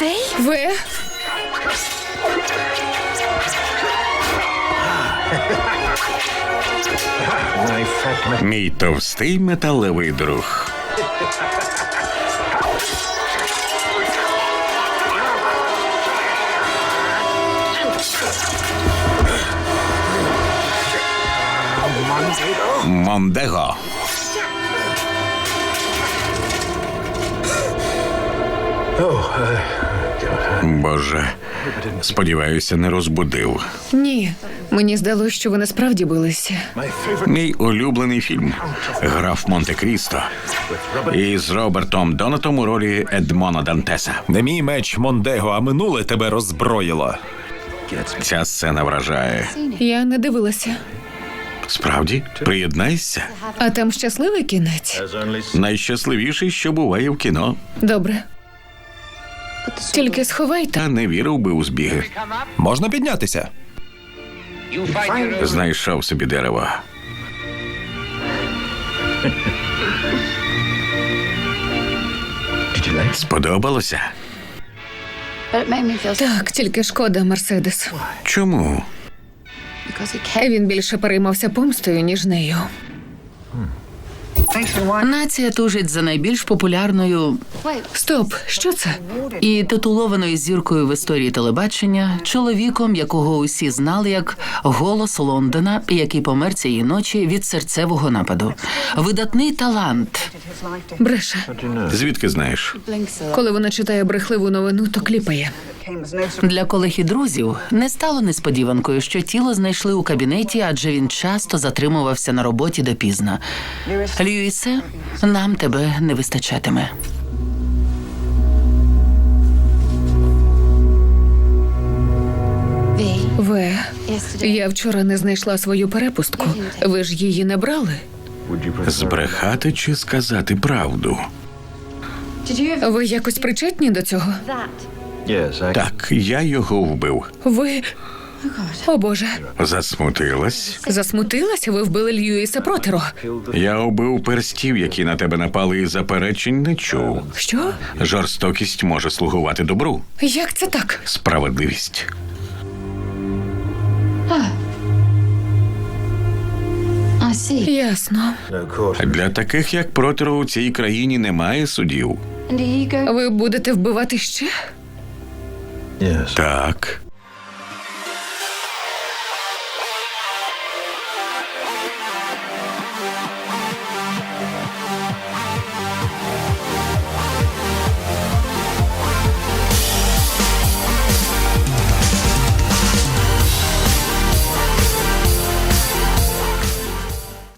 Ви? Мій товстий металевий друг. Мондего. Боже, сподіваюся, не розбудив. Ні. Мені здалося, що ви насправді билися. Мій улюблений фільм «Граф Монте-Крісто» із Робертом Донатом у ролі Едмона Дантеса. Не мій меч, Мондего, а минуле тебе роззброїло. Ця сцена вражає. Я не дивилася. Справді? Приєднайся. А там щасливий кінець? Найщасливіший, що буває в кіно. Добре. Тільки сховайте. Та не вірив би у збіги. Можна піднятися? Знайшов собі дерево. Сподобалося? Так, тільки шкода, Мерседес. Чому? Він більше переймався помстою, ніж нею. Нація тужить за найбільш популярною Стоп, що це? і титулованою зіркою в історії телебачення, чоловіком, якого усі знали як «Голос Лондона», який помер цієї ночі від серцевого нападу. Видатний талант. Бреше. Звідки знаєш? Коли вона читає брехливу новину, то кліпає. Для колег і друзів не стало несподіванкою, що тіло знайшли у кабінеті, адже він часто затримувався на роботі допізна. Льюісе, нам тебе не вистачатиме. Ви. Я вчора не знайшла свою перепустку. Ви ж її не брали? Збрехати чи сказати правду? Ви якось причетні до цього? Так, я його вбив. Ви... О, Боже. Засмутилась? Засмутилася? Ви вбили Льюіса Протеро. Я убив перстів, які на тебе напали, і заперечень не чув. Що? Жорстокість може слугувати добру. Як це так? Справедливість. Ясно. Для таких, як Протеро, у цій країні немає судів. Ви будете вбивати ще? Так.